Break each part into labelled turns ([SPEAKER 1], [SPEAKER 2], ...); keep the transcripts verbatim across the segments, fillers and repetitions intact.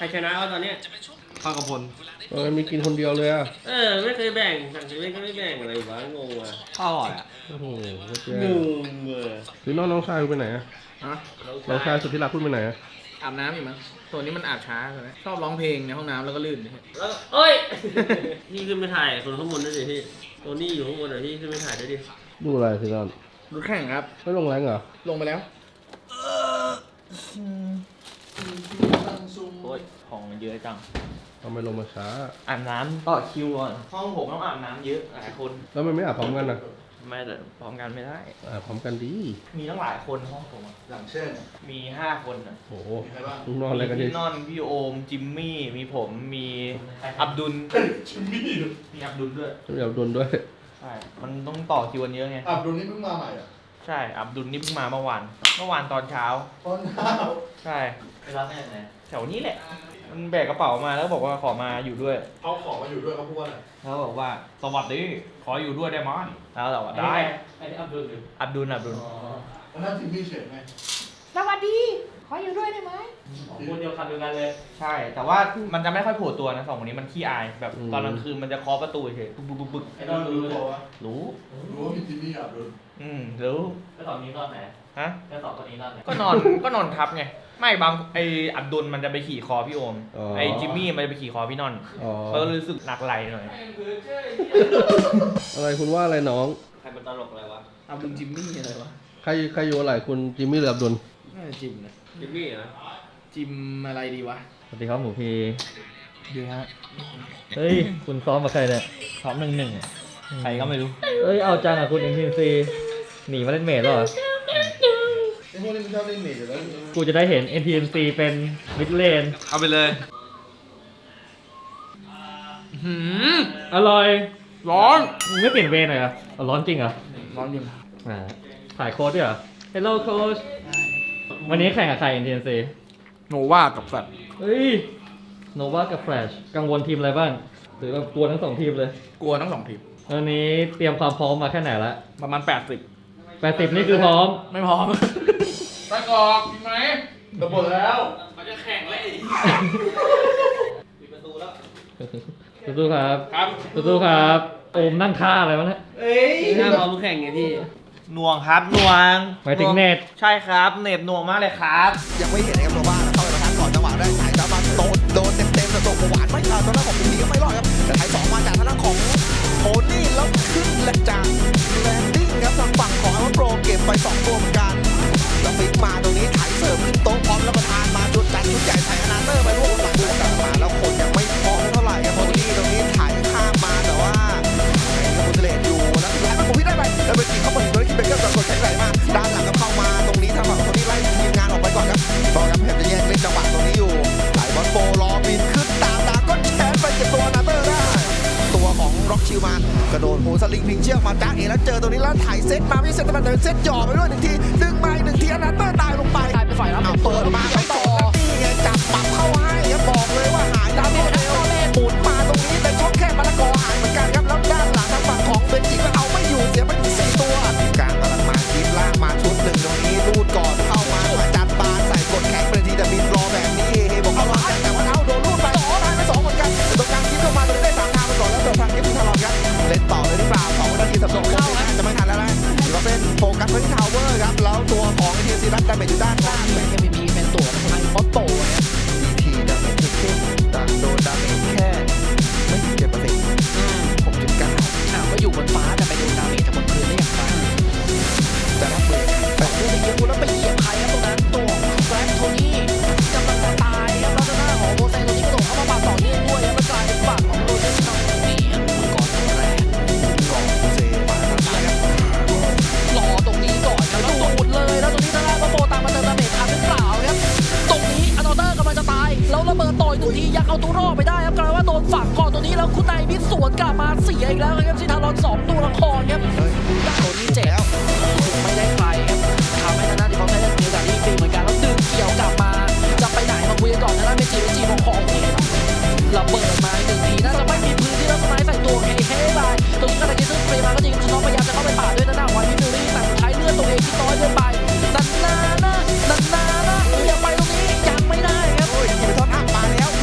[SPEAKER 1] รชนะวะตอนเนี้ย
[SPEAKER 2] ข้าวกระพล
[SPEAKER 3] เออมีกินคนเดียวเลยอ่ะ
[SPEAKER 1] เออไม่เคยแบ่งสั่งซื้อก็ไม่แบ่งอะไรวะงงว่ะ
[SPEAKER 2] ข้าวอร่อยอ่ะ
[SPEAKER 3] โอ้โห
[SPEAKER 1] งงเว้ย
[SPEAKER 3] หรือน้องน้องชายคุณไปไหนอ่ะน้องชายสุดที่รักคุณไปไหนอ่ะ
[SPEAKER 2] อาบน้ำอยู่มั้งตัวนี้มันอาบช้าเลยชอบร้องเพลงในห้องน้ำแล้วก็ลื่น
[SPEAKER 1] แล้วเอ้ยพี่ขึ้นไปถ่ายคนข้างบนด้วยดิพี่ตัวนี้อยู่ข้างบนเหรอพี่ขึ้นไปถ่ายด้วยดิ
[SPEAKER 3] ดูอะไรสิน้อง
[SPEAKER 2] ดูแข่งครับ
[SPEAKER 3] ไม่ลงแรงเหรอ
[SPEAKER 2] ลงไปแล้วโอ้ยของมันเยอะจัง
[SPEAKER 3] ทำไมลงมาช้า
[SPEAKER 2] อาบน้ำต่อคิวก่อนห้องผมต้องอาบน้ำเยอะหลายคน
[SPEAKER 3] แล้วมันไม่อาบพร้อมกันนะ
[SPEAKER 2] ไม่แต่พร้อมกันไม่ได้
[SPEAKER 3] อาบพร้อมกันดี
[SPEAKER 2] มีตั้งหลายคนห้องผม
[SPEAKER 4] หลังเช่น
[SPEAKER 2] มีห้าคนอ่ะ
[SPEAKER 3] โอ้โหลูกนอนอะไรกันดิ
[SPEAKER 2] พี่นอนพี่โอมจิมมี่มีผมมีอับดุล
[SPEAKER 4] จิมมี่
[SPEAKER 2] มีอับดุลด้วย
[SPEAKER 3] มีอับดุลด้วย
[SPEAKER 2] ใช่มันต้องต่อคิวกันเยอะไง
[SPEAKER 4] อับดุลนี่เพิ่งมาใหม่อ่ะ
[SPEAKER 2] ใช่อับดุลนี่เพิ่งมาเมื่อวานเมื่อวานตอนเช้า
[SPEAKER 4] ตอนเช้า
[SPEAKER 2] ใช่ไปรับแม่ไหนแถวนี้แหละมันแบกกระเป๋ามาแล้วบอกว่าขอมาอยู่ด้วย
[SPEAKER 4] เอาของมาอยู่ด้วยเขาพูดว่าอะไร
[SPEAKER 2] เขาบอกว่าสวัสดีขออยู่ด้วยได้มั้ยแล้วเราได้
[SPEAKER 1] ไอ้นี่อับดุล
[SPEAKER 2] อับดุลอับดุล
[SPEAKER 4] แล้วนั่นจิมมี่เฉยไหม
[SPEAKER 5] สวัสดีขออยู่ด้วยได้ไหม
[SPEAKER 1] คนเดียวกันเดียวกันเลย
[SPEAKER 2] ใช่แต่ว่ามันจะไม่ค่อยโผล่ตัวนะสองคนนี้มันขี้อายแบบตอนกลางคืนมันจะเคาะประตูเฉยบึกบึกบึก
[SPEAKER 1] ไอ้นอนรู้ตัววะ
[SPEAKER 2] รู้
[SPEAKER 4] รู้ว่ามีจิมมี่อับดุล
[SPEAKER 2] อืมรู้
[SPEAKER 1] แล้วตอนนี้นอนไหน
[SPEAKER 2] ฮะ
[SPEAKER 1] แล้วสองคนนี้นอนไหน
[SPEAKER 2] ก็นอนก็นอนทับไงไม่บางไออับดุลมันจะไปขี่คอพี่โอมไอจิมมี่มันจะไปขี่คอพี่นอนก็รู้สึกหนักไหลหน่อย
[SPEAKER 3] อะไรคุณว่าอะไรน้อง
[SPEAKER 1] ใครเป็นตลกอะไรวะ
[SPEAKER 2] อับดุลจิมมี่อะไรวะ
[SPEAKER 3] ใครใครอยู่อะไรคุณจิมมี่หรืออับดุล
[SPEAKER 2] น่าจะจิมนะ
[SPEAKER 1] จิมมี่เหรอ
[SPEAKER 2] จิมอะไรดีวะ
[SPEAKER 6] สวัสดีครับหมูพี
[SPEAKER 2] ดีฮะ
[SPEAKER 6] เฮ้ยคุณซ้อมกับใครเนี่ย
[SPEAKER 2] ซ้อมหนึ่งหนึ่งใครก็ไม่รู้
[SPEAKER 6] เอ้ยเอาจังอ่ะคุณเอ็มทีซีหนีมาเล่นเมทหรอ
[SPEAKER 4] ไอ้พวกนี้มันชอบเล่นเมทอยู่แล้ว
[SPEAKER 6] กูจะได้เห็น เอ็น ที เอ็ม ซี เป็นมิดเลน
[SPEAKER 2] เอาไปเลยหืม
[SPEAKER 6] อร่อย
[SPEAKER 2] ร้อน
[SPEAKER 6] มึงไม่เปลี่ยนเวรหน่อยเหรอร้อนจริงเหรอ
[SPEAKER 2] ร้อนจริง
[SPEAKER 6] อ่าถ่ายโค้ดด้วยเหรอ Hello Coach วันนี้แข่งกับใคร เอ็น ที เอ็ม ซี
[SPEAKER 2] โนวากับแฟลช
[SPEAKER 6] เฮ้ยโนวากับแฟลชกังวลทีมอะไรบ้างหรือว่ากลัวทั้งสองทีมเลย
[SPEAKER 2] กลัวทั้งสองทีม
[SPEAKER 6] วันนี้เตรียมความพร้อมมาแค่ไหนละ
[SPEAKER 2] ประมาณแปดสิบ
[SPEAKER 6] แปดสิบนี่คือพร้อม
[SPEAKER 2] ไม่พร้อมตะกอกมีไหม
[SPEAKER 4] ระเบิดแล้ว
[SPEAKER 1] เขาจะแข่งเลยปิดประตูแล้ว
[SPEAKER 6] สู้ๆครับ
[SPEAKER 2] ครับ
[SPEAKER 6] สู้ๆครับโอมนั่งท่าอะไรวะเนี่ย
[SPEAKER 1] เอ้ยหน้าพร้อมแข่งไงพี่
[SPEAKER 2] หน่วงครับหน่วง
[SPEAKER 6] หมายถึงเน็ต
[SPEAKER 2] ใช่ครับเน็ตหน่วงมากเลยครับ
[SPEAKER 7] ยังไม่เห็นนะครับโนวาเข้าไปประทานก่อนจังหวะได้สายตามาโดนโดนเต็มเต็มแต่ตัวหวานไม่ขาดตอนนั้นของพี่ก็ไม่รอดครับแต่ไทยสองมาจากทางด้านของโทนี่แล้วขึ้นและจากแลนดิ้งครับทางฝั่งของอัลโปรเก็บไปสองตัวเหมือนกันแล้วฟิกมาตรงนี้ถ่ายเสิร์ฟขึ้นโต๊ะพร้อมรับประทานมาจุดจัดชุดใหญ่ใส่อนาเตอร์ไปร่วมหลังกลับมาแล้วคนยังไม่พอเท่าไหร่ครับโทนี่ตรงนี้ถ่ายข้ามมาแต่ว่าคุณเสลดอยู่แล้วสุดท้ายมันผมพี่ได้ไปแล้วเป็นทีเข้ามาถึงตรงนี้คิดเป็นเรื่องกดแข็งไหลมาด้านหลังก็เข้ามาตรงนี้ทางฝั่งโทนี่ไล่ทีมงานออกไปก่อนครับตอนนี้พยายามจะแยกเล่นจังหวะตรงนี้อยู่ไหลบอลโฟรอบินขึ้นตามดาก้อนแขนไปเก็บตัวอนาเตอร์ได้ตัวของร็อกชิลมานกระโดดโหสลิงพิงเชือกมาจ้าเอแล้วเจอตรงนี้แล้วถ่ายเซตมาไม่ใช่เซตแต่เป็นเซตหย่อไปด้วยหนึ่งทีดึงมาหนึ่งทีอนาเตอร์ตายลงไป
[SPEAKER 5] กลายเป็นฝ่ายรับ
[SPEAKER 7] เปิดมาไปต่อนี่ไงจับปรับเข้าให้บอกเลยว่าหายดาวเร็วหมุนมาตรงนี้แต่ช่องแค่มะละกอหายเหมือนกันครับแล้วด้านหลังทางฝั่งของเบนจิก็เอาไม่อยู่เสียไปถึงสี่ตัวการกำลังมาทีมล่างมาชุดหนึ่งตรงนี้รูดก่อนเข้ามามาจัดบาใส่กดแข็งเป็นทีแต่บินรอแบบนี้เฮบอกเข้ามาแต่ว่าเอาโดนรูดไปสองทางไปสองเหมือนกันแต่ตรงกลางทีมเข้ามาตรงนี้ได้สามทางไปก่อนแล้วเดินทางที่ทารอนครับเล่นต่อเลยหรือเปล่าสองนาทีสำรองเข้าจะไม่ทันแล้วนะถือว่าเป็นโฟกัสไปที่ทาวเวอร์ครับแล้วตัวของทีซีรัตดาเมจอยู่ด้านล่าง
[SPEAKER 5] เป็น เอ็ม วี พี เป็นตัวทำไมเขาโตเนี่ย
[SPEAKER 7] ทีดาเมจเข้มแต่โดนดาเมจแค่ไม่ถึงเจ็ดเปอร์เซ็นต์หกจุดเก้า
[SPEAKER 5] อ่าก็อยู่บนฟ้าแต่ไปโดนดาเมจจากบนพื้นได้อย่างไร
[SPEAKER 7] แต่รับมือ
[SPEAKER 5] แต่เรื่องเยอะแล้วไปเหยียบใครครับตรงนั้นตัวแฟรงค์โทนี่กำลังจะตายครับแล้วหน้าของโบเซนตัวนี้กระโดดเข้ามาปาดต่อเนื่องด้วยครับแล้วกลายเป็นฝั่งของโรเจอร์น้องนี่ก่อนตัวแรก
[SPEAKER 7] ก่อนโบเซมาทางซ้ายครับ
[SPEAKER 5] รอตรงนี้ก่อนครับแล้วดูดเลยแล้วตรงนี้ทางด้านก็โบตามมาเติมดาเมจทันหรือเปล่าครับตรงนี้อโนเตอร์กำลังจะตายแล้วระเบิดต่อยหนึ่งทียังเอาตัวรอดไปได้ครับกลายว่าโดนฝังก่อนตัวนี้แล้วคุณนายมิดสวนกลับมาเสียอีกแล้วครับซิทารอนสองตัวละครครับตัวนี้เจ็บแล้วไม่ได้ใครครับทำให้ทางด้านที่เขาใช้เล่นเกมแบบนี้ฟรีเหมือนกันแล้วดึงเกี่ยวกลับมาจะไปไหนมาคุยกันก่อนทางด้านเมจิเมจิของของนี่ระเบิดมาหนึ่งทีน่าจะไม่มีพื้นที่แล้วสไนด์ใส่ตัวเฮ้เฮ้ไปตรงนี้ก็เลยซึ่งเฟรมาก็จริงน้องพยายามจะเข้าไปปาดด้วยทางด้านไวมิฟิลลี่แต่สุดท้ายเลือดตัวเองที่น้อยเกินไปนันนานะนันนานะยังไปตรงนี้ยังไม่ได้ครับ
[SPEAKER 7] โอ้ยยิงไปทอดอัพมาแล้ว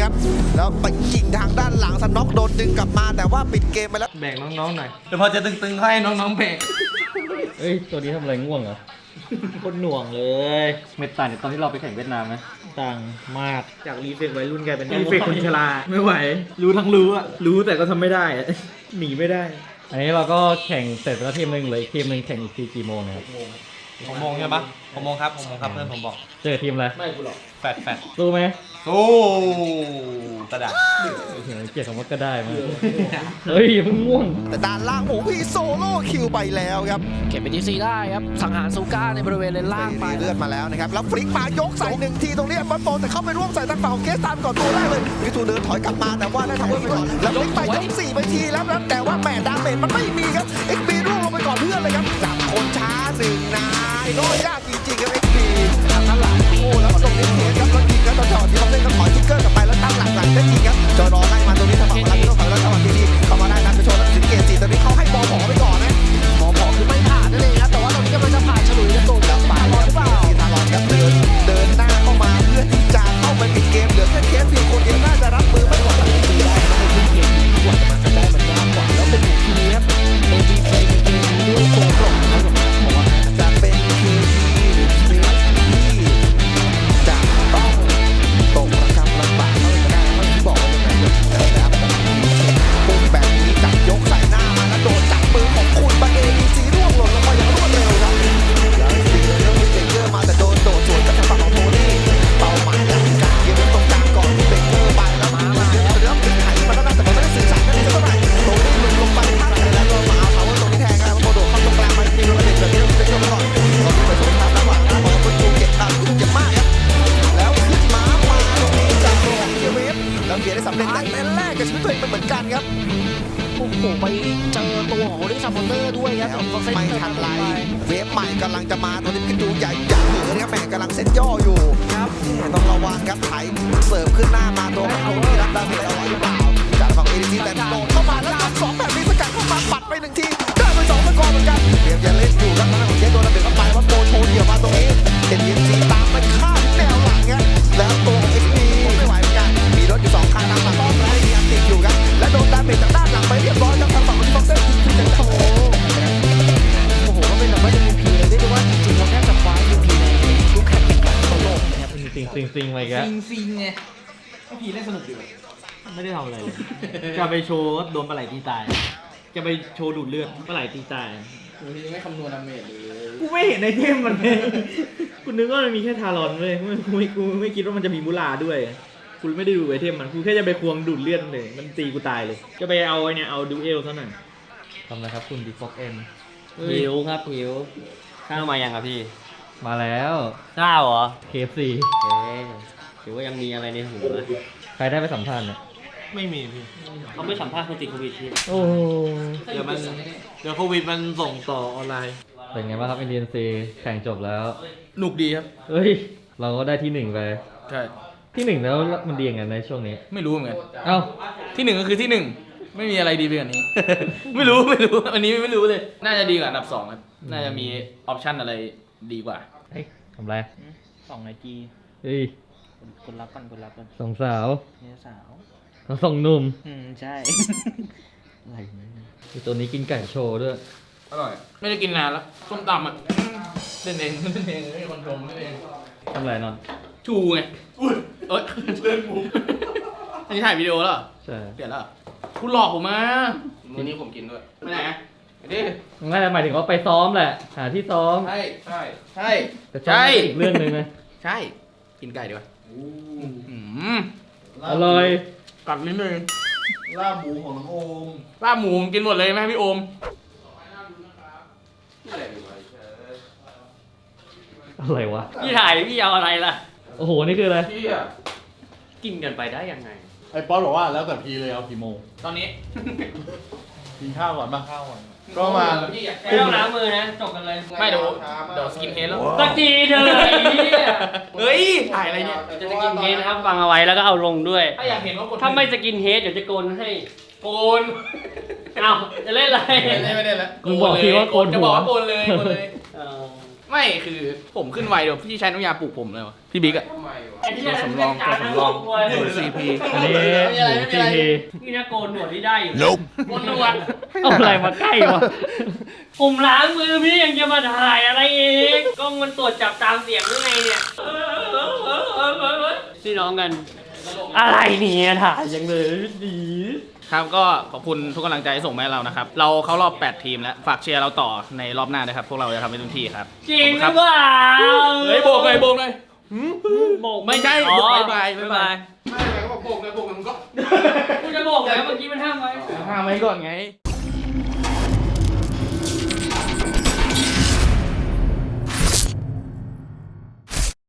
[SPEAKER 7] ครับแล้วไปยิงทางด้านหลังสน็อกโดนดึงกลับมาแต่ว่าปิดเกมไปแล้ว
[SPEAKER 2] แบ่งน้องๆหน่อยเดี๋ยวพอจะตึงๆให้น้องๆแบ่ง
[SPEAKER 6] เอ้ย ตัวนี้ทำอะไรง่วงเหรอ
[SPEAKER 2] คนหน่วงเลย
[SPEAKER 6] เม็ดต่างจากตอนที่เราไปแข่งเวียดนามไหม
[SPEAKER 2] ต่างมากจากรีเฟกวัยรุ่นกลายเป็นรีเฟกคนชราไม่ไหว รู้ทั้งรู้อะรู้แต่ก็ทำไม่ได้อะหนีไม่ได้
[SPEAKER 6] อันนี้เราก็แข่งเสร็จไปแล้วทีมหนึ่งเหลยทีมหนึ่งแข่งอีกทีกี่โมงนะครับ
[SPEAKER 2] หกโมงใช่ปะหกโมงครับหกโมงครับเพื่อนผมบอก
[SPEAKER 6] เจอทีมอะไร
[SPEAKER 2] ไม่กูหรอกแฟดแฟด
[SPEAKER 6] สู้ไหม
[SPEAKER 2] สู้กระดาษ
[SPEAKER 6] เห็นเกียรติคำว่าก็ได้มากเฮ้ยเพิ่งง่วง
[SPEAKER 7] แต่ด้านล่างโอ้พี่โซโล่คิวไปแล้วครับ
[SPEAKER 5] เก็บเป็นทีซีได้ครับสังหารซูก้าในบริเวณเลนล่างไป
[SPEAKER 7] เลือดมาแล้วนะครับแล้วฟลิกมายกใส่หนึ่งทีตรงนี้บัฟโฟแต่เข้าไปร่วมใส่ทางฝั่งของเกสตามก่อนตัวแรกเลยวิทูเดินถอยกลับมาแต่ว่าได้ทำเพื่อนไปก่อนแล้วฟลิกไปยกสี่ไปทีแล้วนะแต่ว่าแหม่ดาเมจมันไม่มีครับเอ็กซ์บีร่วงลงไปก่อนเพื่อนเลยครับจับคนช้าหนึ่งนายโน้ยากจริงๆครับเอ็กซ์บีทางด้านหลังโอ้แล้วตรงนี้เทครับแล้วยิงแล้วต่อจอดที่เขาเล่นก็ถอยทิกเกอร์กลับไปแล้วตั้งหลักหลังได้จริงครับจอรอไล่มาตรงนี้ทางฝั่งของเราไม่ต้องถอยแล้วจังหวะดีๆเข้ามาได้นะไปโชว์แล้วสิงเกตสี่ตอนนี้เขาให้บอลหมอไปก่อนนะ
[SPEAKER 5] หมอบอกคือไม่ผ่านนั่นเองครับแต่ว่าตอนนี้กำลังจะผ่านฉลุยจะโดนกับปาลอนหรือเปล่า
[SPEAKER 7] ทารอนครับเดินเดินหน้าเข้ามาเพื่อที่จะเข้าไปปิดเกมเหลือแค่เคสเพียงคนเดียวน่าจะรับมือไม่ไหวได้นะในเกมนี้กว่ามันจะได้มันยากกว่าแล้วเป็นทีครับ
[SPEAKER 5] เอ็ม วี พี ในเกมนี้ด้วยตัวกลมนะครับผมเพราะว่า
[SPEAKER 7] จะเป็นทีหรือทีที่จะต้องตกระกำลำบากเขาจะได้เขาที่บอกว่ายังไงนะครับปุ่มแบบนี้จับยกใส่หน้ามาแล้วโดนจับมือของคุณบาเอดีซีร่วงหล่นลงมาอย่างรวดเร็วครับแล้วซีเรื่องเบเกอร์มาแต่โดนโดดสวนกับทางฝั่งของโทนี่เป้าหมายหลักการเกมตรงกลางก่อนเบเกอร์ไปแล้วมามาแล้วเริ่มติดไถมาแล้วนะแต่มันไม่ได้สื่อสารกันเลยเท่าไหร่โทนี่หลุดลงไปข้างเลยแล้วก็มาเอาเขาตรงนี้แทงกันโมโดเข้าตรงกลางไปทีโรเดชแบบนี้เบเกอร์มาก่อนเราไปสวนทางระหว่างนะพอคนดูเก็บตามขึ้นเก็บมากครับแล้วขึ้นมามาตรงนี้จากตัวของเกียร์เวฟแล้วเกียร์ได้สำเร็จแต่เล่นแรกกับชีวิตตัวเองเป็นเหมือนกันครับ
[SPEAKER 5] โอ้โหไปเจอตัวของลิซ่าบอนเตอร์ด้วยครับ
[SPEAKER 7] ไม่ทันไรเวฟใหม่กำลังจะมาตัวนี้เป็นดูใหญ่ใหญ่เลยนะครับแม่กำลังเซ็ตย่ออยู่ครับต้องระวังครับไถเสิร์ฟขึ้นหน้ามาตัวเขาที่รับดาเมจเอาไว้หรือเปล่าจากฝั่งเอดีซีแต่โดนเข้ามาแล้วจับสองแบบนี้สกัดเข้ามาปัดไปหนึ่งทีได้ไปสองตะกอนเหมือนกันเตรียมจะเล่นอยู่แล้วทางของเจโดนระเบิดเข้าไปว่าโดนโชว์เดี่ยวมาตรงนี้เอ็นดีซีตามไปฆ่าที่แนวหลังครับแล้วตัวของเอ็กซ์พีไม่ไหวเหมือนกันมีรถอยู่สองคันตามหลังต้อนแล้วมีอันติดอยู่ครับและโดนดาเมจจากด้านหลังไปเรียบร้อยครับทางฝั่งของที่ฟ็อกเซนคือจะโชว์
[SPEAKER 5] โอ้โหก็เป็นแบบว่า เอ็ม วี พี เลยเรียกได้ว่าจริงๆเราแทบจะคว้า เอ็ม วี พี ในทุกแข่งขันทั่วโลกนะครับ
[SPEAKER 6] ซิงซิงซิงไปแก
[SPEAKER 2] ซิงซิงไงไอพีเล่นสนุกดีว่ะไม่ได้ทำอะไรเลย จะไปโชว์โดนปลาไหลตีตาย จะไปโชว์ดูดเลือดปลาไหลตีตาย
[SPEAKER 4] วันนี้ไม่คำนวณดาเมจเลย
[SPEAKER 2] กูไม่เห็นในเทมมันเลยกูนึกว่ามันมีแค่ทารอนเลยกูไม่กูไม่กูไม่คิดว่ามันจะมีมูลาด้วยกูไม่ได้ดูไอเทมมันกูแค่จะไปควงดูดเลือดเลยมันตีกูตายเลย จะไปเอาไอเนี่ยเอาดูเอลซะหน่อย
[SPEAKER 6] ทำอะไรครับคุณดีฟอกเอ็น
[SPEAKER 1] หิวครับหิวข้าวมายังครับพี่
[SPEAKER 6] มาแล้ว
[SPEAKER 1] ข้าวเหรอ
[SPEAKER 6] เค เอฟ ซี
[SPEAKER 1] เอ๊ะถือว่ายังมีอะไรในหูนะ
[SPEAKER 6] ใครได้ไปสัมภาษณ์เนี่ย
[SPEAKER 2] ไม่มีพี่
[SPEAKER 1] เขาไม่สัมภาษณ์คนติดโควิดพี่
[SPEAKER 6] โอ้โห
[SPEAKER 2] เดี๋ยวมันเดี๋ยวโควิดมันส่งต่อออนไลน์
[SPEAKER 6] เป็นไงบ้างครับ เอ็น ดี เอ็น ซี แข่งจบแล้ว
[SPEAKER 2] หนุกดีครับ
[SPEAKER 6] เฮ้ย เราก็ได้ที่หนึ่งไป
[SPEAKER 2] ใช่
[SPEAKER 6] ที่หนึ่งแล้วมันดียังไงในช่วงนี้
[SPEAKER 2] ไม่รู้เหมือนกัน
[SPEAKER 6] เอ้า
[SPEAKER 2] ที่หนึ่งก็คือที่หนึ่งไม่มีอะไรดีไปกว่านี้ ไม่รู้ไม่รู้อันนี้ไม่รู้เลย น่าจะดีกว่าอันดับสองครับน่าจะมีออปชั่นอะไรดีกว่า
[SPEAKER 6] เฮ้ยทำไร
[SPEAKER 2] สองไอจี
[SPEAKER 6] เฮ้ย
[SPEAKER 2] คนรับกันคนรับกัน
[SPEAKER 6] สองสาว
[SPEAKER 2] เนี่ยสาว
[SPEAKER 6] เขาส่งหนุ่ม
[SPEAKER 2] อืมใช่
[SPEAKER 6] อะไรเนี่ยตัวนี้กินไก่โชว์ด้วย
[SPEAKER 2] อร่อยไม่ได้กินนานแล้วส้มตำอ่ะเล่นเองเล่นเองไม่มีคนชมเล่นเอง
[SPEAKER 6] ทำไรนอน
[SPEAKER 2] ชูไงอุ้ยเอ้ยเล่นมุกอันนี้ถ่ายวิดีโอแล้วเหรอ
[SPEAKER 6] ใช่
[SPEAKER 2] เปลี่ยนแล้วเหรอคุณหลอกผมมาวันนี้ผมกินด้วยไม่ไหนไปดิ
[SPEAKER 6] น่าจะหมายถึงว่าไปซ้อมแหละ หาที่ซ้อม
[SPEAKER 2] ใช่ใช่ใช่
[SPEAKER 6] แต่ซ้อมเป็นอีกเรื่องหนึ่งนะ
[SPEAKER 2] ใช่กินไก่ดีกว่าอืม
[SPEAKER 6] อร่อย
[SPEAKER 2] กัดนิดนึง
[SPEAKER 4] ลาบหมูของน้องโอม
[SPEAKER 2] ลาบหมูกินหมดเลยไหมพี่โอม
[SPEAKER 6] อะไรวะ
[SPEAKER 1] พี่ถ่ายพี่เอาอะไรล่ะ
[SPEAKER 6] โอ้โห นี่คืออะไร
[SPEAKER 4] พี่อ่ะ
[SPEAKER 1] กินกันไปได้ยังไง
[SPEAKER 4] ไอ้ป๊อตบอกว่าแล้วแต่พี่เลยเอากี่โมง
[SPEAKER 2] ตอนนี้
[SPEAKER 4] กินข้าวก่อนป่ะข้าวก่อนก็มา
[SPEAKER 1] ไม่ต้องล้างมือนะ จบกันเลย
[SPEAKER 2] ไม่เดี๋ยวเดี๋ยวสกินเฮดแล้ว
[SPEAKER 1] ตะกี้เธอไอ้เหี้ย
[SPEAKER 2] เฮ้ยถ่ายอะไรเนี่ย
[SPEAKER 1] เดี๋ยวจะสกินเฮดนะครับฟังเอาไว้แล้วก็เอาลงด้วย
[SPEAKER 2] ถ้าอยากเห็นว่ากด
[SPEAKER 1] ถ้าไม่สกินเฮดเดี๋ยวจะโกนให้
[SPEAKER 2] โกน
[SPEAKER 1] เอาจะเล่นอะไร
[SPEAKER 2] ไม่ได้ไม่ได้แล้ว
[SPEAKER 6] มึงบอกทีว่าโกนหัว
[SPEAKER 2] จะบอกว่าโกนเลยโกนเลย
[SPEAKER 1] เออ
[SPEAKER 8] ไม่คือผมขึ้นไวเดี๋ยวพี่ใช้น้ำยาปลูกผมเลยวะพี่บิ๊กอะ
[SPEAKER 1] ตัวสำรองตัวสำรอง
[SPEAKER 8] หนูซีพี
[SPEAKER 6] อันนี้หมูซีพี
[SPEAKER 1] นี่นะโกนหนวดที่ได้อยู่
[SPEAKER 8] บนหนวด
[SPEAKER 6] เอาอะไรมาใกล้วะ
[SPEAKER 1] ผมล้างมือพี่ยังจะมาถ่ายอะไรอีกกล้องมันตรวจจับตามเสียงหรือไงเนี่ยพี่น้องกัน อะไรเนี่ยถ่ายยังเลยดี
[SPEAKER 8] ครับก็ขอบคุณทุกกำลังใจที่ส่งมาให้เรานะครับ เราเข้ารอบแปดทีมแล้วฝากเชียร์เราต่อในรอบหน้านะครับ พวกเราจะทำให้เต็มที่ครับ
[SPEAKER 1] จริง
[SPEAKER 8] ขอบ
[SPEAKER 1] ห
[SPEAKER 8] คุณ
[SPEAKER 1] รือเปล่า
[SPEAKER 8] เฮ้ยโบกเลยโบกเลย
[SPEAKER 1] โบก
[SPEAKER 8] ไม่ใช่
[SPEAKER 1] อ๋อ
[SPEAKER 8] บ๊ายบายบ๊ายบาย
[SPEAKER 1] กูจะโบกแล้วเมื่อกี้มันห้ามไว้
[SPEAKER 8] ห้ามไว้ก่อนไง